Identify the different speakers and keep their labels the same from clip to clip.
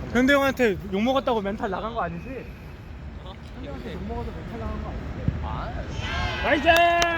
Speaker 1: 현대 형한테 욕 먹었다고 멘탈 나간 거 아니지? 현대 형한테 욕 먹어서 멘탈 나간 거 아니지? 나이스!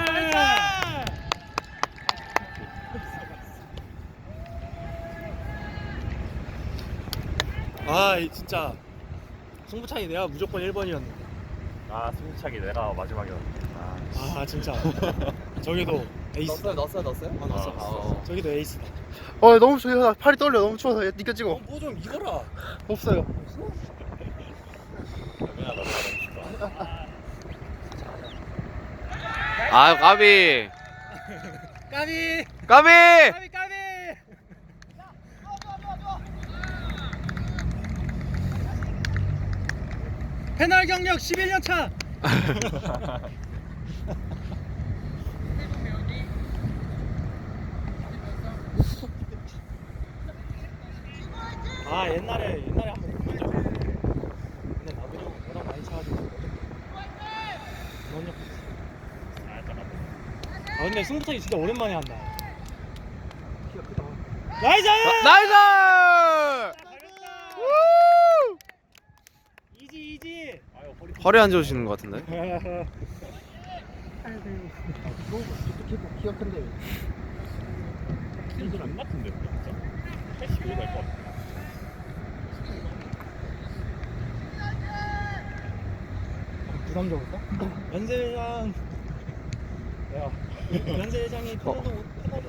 Speaker 1: 진짜 승부차기 내가 무조건 1번이었는데.
Speaker 2: 승부차기 내가 마지막이었는데.
Speaker 1: 진짜. 저기도 에이스.
Speaker 3: 넣었어요?
Speaker 1: 넣었어. 저기도 에이스다.
Speaker 3: 너무 추워. 팔이 떨려. 너무 추워서 니꺼 찍어.
Speaker 1: 뭐 좀 입어라.
Speaker 3: 없어요.
Speaker 2: 까비.
Speaker 1: 까비!
Speaker 2: 까비.
Speaker 1: 까비! 패널 경력 11년 차. 옛날에 한번 보면 적 근데 나도 형 워낙 많이 차가지고 근데 승부차기 진짜 오랜만에 한다. 나이스!
Speaker 2: 나이스.
Speaker 1: 이지.
Speaker 2: 허리 안 좋으시는 것 같은데.
Speaker 3: 키가 큰데.
Speaker 2: 이건 안 맞던데 진짜. 85 될 것 같아.
Speaker 1: 부담적일까? 연세장. 연세장이 편하도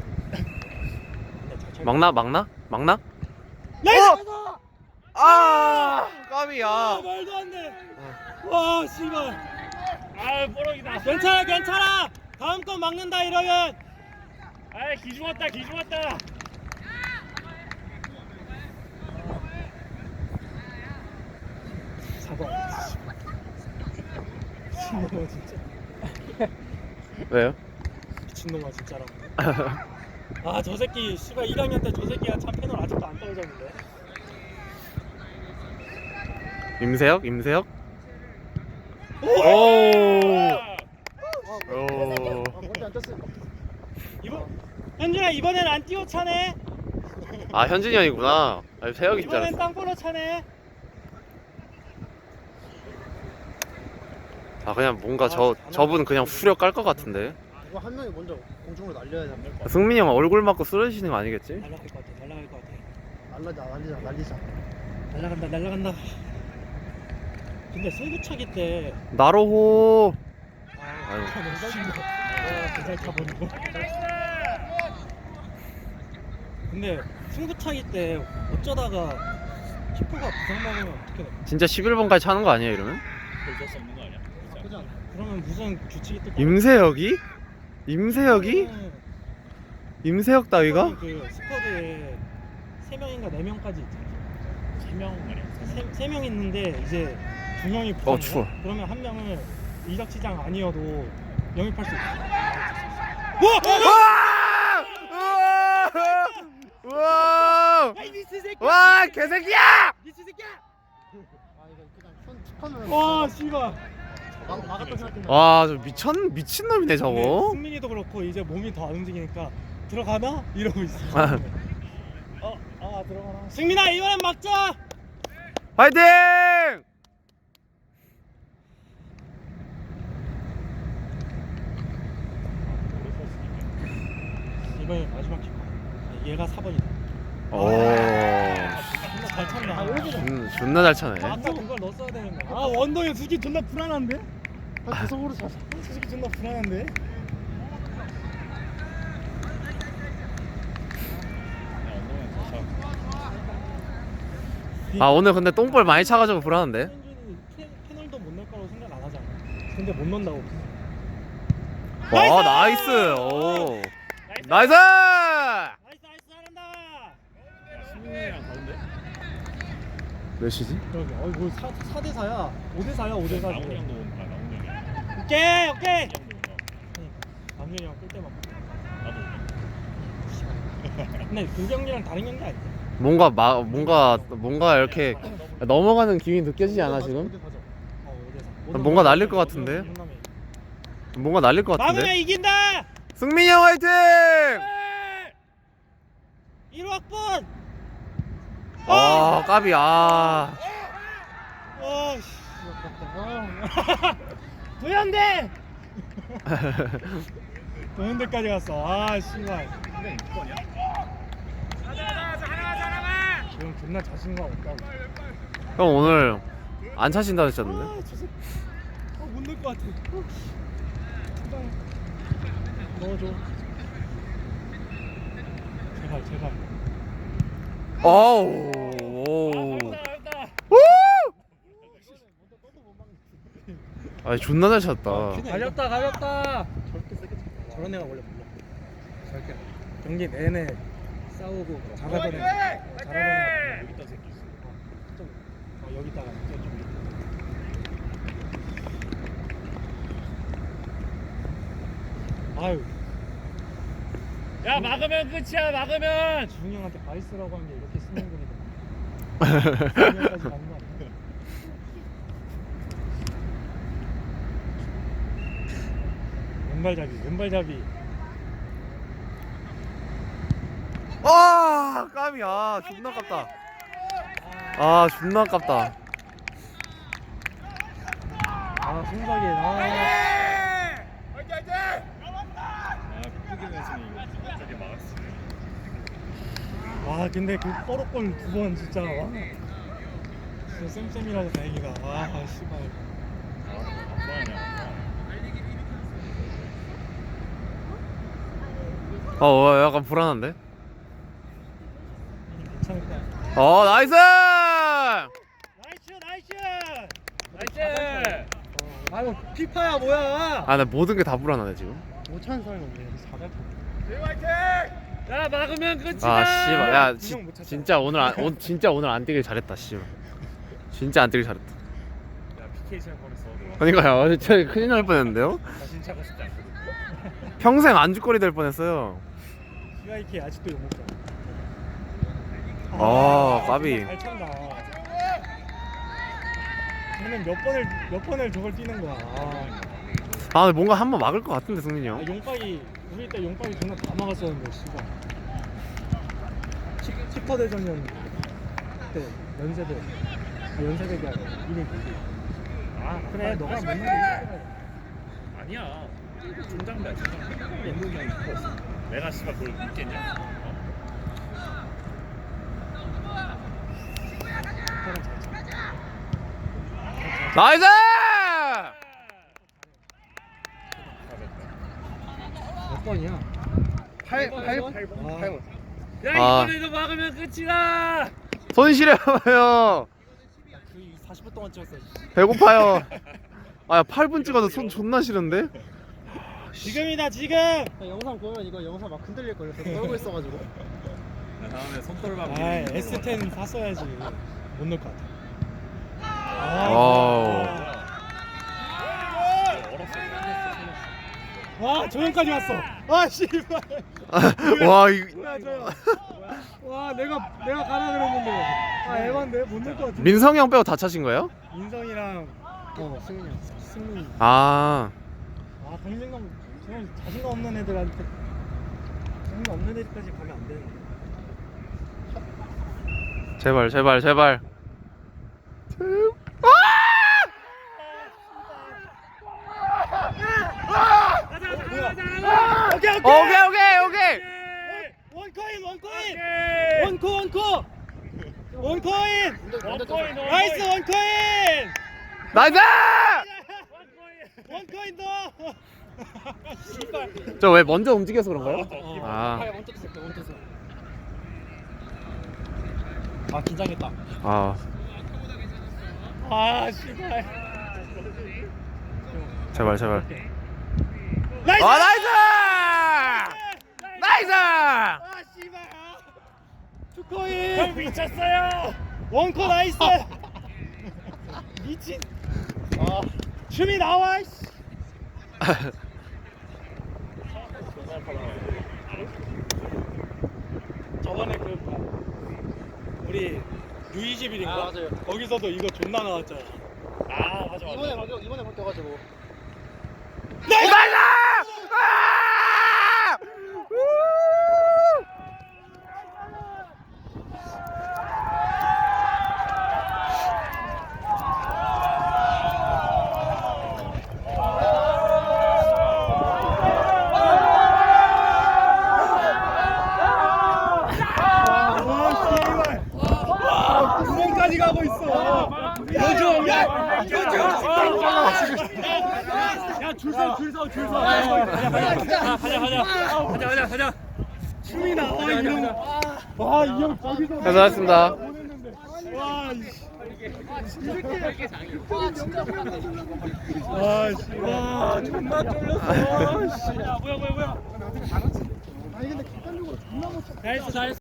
Speaker 2: 막나?
Speaker 1: 나이스!
Speaker 2: 까비야.
Speaker 1: 말도 안 돼. 와, 씨발. 뽀록이다. 괜찮아. 다음 건 막는다 이러면. 기중 왔다. 4번. 미친놈아 진짜.
Speaker 2: 왜요?
Speaker 1: 미친놈아 진짜라고. 저 새끼 씨발 1학년 때 저 새끼가 참 패널 아직도 안 떨어졌는데.
Speaker 2: 임세혁? 오.
Speaker 3: 머리 안 떴어요.
Speaker 1: 현준아 이번엔 안 뛰어 차네.
Speaker 2: 현진이 형이구나. 세혁이 줄
Speaker 1: 이번엔
Speaker 2: 알았어.
Speaker 1: 땅볼로 차네.
Speaker 2: 그냥 뭔가 저분 그냥 후려 깔 것 같은데.
Speaker 3: 이거 한 명이 먼저 공중으로 날려야 돼.
Speaker 2: 승민이 형 얼굴 맞고 쓰러지시는 거 아니겠지?
Speaker 1: 날아갈 것 같아.
Speaker 3: 날리자.
Speaker 1: 날아간다. 근데 승부차기 때
Speaker 2: 나로호.
Speaker 1: 잘 차보는 거. 근데 승부차기 때 어쩌다가 키퍼가 부상 먹으면 어떻게 돼?
Speaker 2: 진짜 11번까지 차는 거 아니야 이러면?
Speaker 1: 어쩔 수 없는 거 아니야? 그러면 무슨 규칙이 또
Speaker 2: 임세혁이? 임세혁 따위가?
Speaker 1: 그 스쿼드에 3명인가 4명까지 있잖아. 3명 있는데 이제 2명이 부상이야?
Speaker 2: 추워.
Speaker 1: 그러면 한 명을 이적시장 아니어도 영입할 수 있어.
Speaker 2: 우와!
Speaker 1: 이 미스 새끼!
Speaker 2: 와 개새끼야!
Speaker 1: 미스 새끼야!
Speaker 3: 이거 그냥 툭하면.
Speaker 1: 와 씨발.
Speaker 3: 막았다 생각했는데.
Speaker 2: 저 미친놈이네 저거.
Speaker 1: 승민이도 그렇고 이제 몸이 더 안 움직이니까 들어가나? 이러고 있어. 들어가나? 승민아 이번엔 막자!
Speaker 2: 화이팅!
Speaker 1: 이번에 마지막 키커. 얘가 4번이다.
Speaker 2: 오.
Speaker 1: 잘 찼네.
Speaker 2: 존나 잘 차네.
Speaker 1: 아까 그걸 넣었어야 되는데. 원동이 솔직히 존나 불안한데?
Speaker 3: 구석으로 차.
Speaker 1: 솔직히 존나 불안한데?
Speaker 2: 오늘 근데 똥볼 많이 차가지고 불안한데.
Speaker 1: 현준이 패널도 못 넣을 거라고 생각 안 하잖아. 근데 못 넣는다고.
Speaker 2: 와 나이스. 오. 나이스.
Speaker 1: 나이스 잘한다.
Speaker 2: 승민이랑 다른데? 몇 시지?
Speaker 1: 그러게. 뭐 4대 4야. 5대 4야. 5대 4.
Speaker 2: 나훈이 형도
Speaker 1: 오케이. 남준이 형 꿀 때만. 나도. 근데 그 경기랑 다른 경기 아니야?
Speaker 2: 뭔가 이렇게 넘어가는 기분이 느껴지지 않아 지금?
Speaker 1: 5대 4.
Speaker 2: 뭔가 날릴 것 같은데? 뭔가 날릴 것
Speaker 1: 막으면
Speaker 2: 같은데?
Speaker 1: 이긴다.
Speaker 2: 승민이 형 화이팅!
Speaker 1: 1학번.
Speaker 2: 아 까비 아.
Speaker 1: 씨. 도현대. 도현대까지 갔어. 아 씨발. 지금 존나 자신감 없다고.
Speaker 2: 형 오늘 안 차신다 했었는데.
Speaker 1: 못 넣을 것 같아. 제발. 넣어줘. 제발.
Speaker 2: 어우. 아 존나 잘 찼다.
Speaker 1: 가볍다. 저렇게 세게 차. 저런 애가 원래 몰라. 저렇게 경기 내내 싸우고 잘하던 애. 잘하던 애. 여기다 새끼 있어. 여기다가 좀. 아유. 야 막으면 끝이야. 막으면. 주웅이 형한테 바이스라고 한 게 이렇게 쓰는 거니까. 주웅이까지 가는 거 아니야? 왼발잡이.
Speaker 2: 아 까비 아 존나 아깝다. 아 존나 아깝다.
Speaker 1: 아 손석이 와 근데 그 뽀록골 2번 진짜 와 진짜 쌤쌤이라서 다행이다. 와 씨발.
Speaker 2: 약간 불안한데?
Speaker 1: 괜찮을 거야.
Speaker 2: 나이스!
Speaker 1: 나이스. 아이고 피파야 뭐야?
Speaker 2: 아 나 모든 게 다 불안하네 지금.
Speaker 3: 못 차는 사람이 없네. 여기 4달 타.
Speaker 1: 야 막으면 끝이다.
Speaker 2: 아 씨발 야
Speaker 1: 분명 못 찼잖아.
Speaker 2: 진짜 오늘 안 뛰길 잘했다 씨발. 진짜 안 뛰길 잘했다.
Speaker 1: 야 PK 칠 뻔했어.
Speaker 2: 그러니까요 진짜 큰일 날 뻔했는데요.
Speaker 1: 다신 차고 싶지 않거든.
Speaker 2: 평생 안주거리 될 뻔했어요.
Speaker 1: CYK 아직도 욕 먹잖아.
Speaker 2: 까비.
Speaker 1: 잘 찬다. 쟤는 몇 번을 저걸 뛰는 거야.
Speaker 2: 아 근데 뭔가 한 번 막을 것 같은데 승민이 형.
Speaker 1: 용박이 우리 때 용박이 존나 다 막았었는데 씨발. 슈퍼 대전년 그때 연세대가 이미 그래 너가 못 나게
Speaker 4: 아니야. 중장비야, 중장비. 연동이 형이 이뻤어. 내가 씨발 그걸 믿겠냐?
Speaker 2: 나이스!
Speaker 1: 몇 번이야?
Speaker 3: 8번.
Speaker 4: 야,
Speaker 2: 아.
Speaker 4: 이번에도 막으면 끝이다!
Speaker 2: 손실해요.
Speaker 1: 그 40분 동안 찍었어.
Speaker 2: 배고파요. 아 8분 찍어도 손 존나 싫은데?
Speaker 1: 지금이다 지금.
Speaker 3: 영상 보면 이거 영상 막 흔들릴 걸요. 떨고 있어가지고.
Speaker 4: 나 다음에 손떨방.
Speaker 1: 아 S10 샀어야지. 못 넣을 것 같아.
Speaker 2: 와우.
Speaker 1: 와 조용까지 왔어. 아 씨발.
Speaker 2: 와 이
Speaker 1: 뭐야 조용. 와 내가 가라 그랬는데. 아 에반데 못 넣을 것 같아.
Speaker 2: 민성이 형 빼고 다 차신 거예요?
Speaker 1: 인성이랑 승민이.
Speaker 2: 아
Speaker 1: 자신감 정말 자신감 없는 애들한테 자신감 없는 애들까지 가면 안 되는데.
Speaker 2: 제발. 오케이.
Speaker 1: 원코인. 나이스 원코인.
Speaker 2: 나이스!
Speaker 1: 원코인 더. 씨발.
Speaker 2: 저 왜 먼저 움직여서 그런가요? 아,
Speaker 1: 아 긴장했다.
Speaker 2: 아,
Speaker 1: 아 씨발.
Speaker 2: 제발.
Speaker 1: 나이스.
Speaker 2: 나이스!
Speaker 1: 아 씨발. 투코인.
Speaker 4: 형 미쳤어요!
Speaker 1: 원코 나이스. 미친. 춤이 나와. 씨. 저번에 우리 U21인가?
Speaker 3: 아, 맞아요.
Speaker 1: 거기서도 이거 존나 나왔잖아.
Speaker 4: 아, 맞아.
Speaker 3: 이번에 바뀌어가지고.
Speaker 2: 나이스! 아! 우!
Speaker 4: 가자.
Speaker 3: 춤이 나와 이형. 와이 형 저기서.
Speaker 2: 고생하셨습니다.
Speaker 3: 와 와, 씨. 와, 존나 쫄렸어. 씨.
Speaker 4: 뭐야.
Speaker 3: 아니 근데 객관적으로 존나 못 쳤다.
Speaker 4: 잘했어.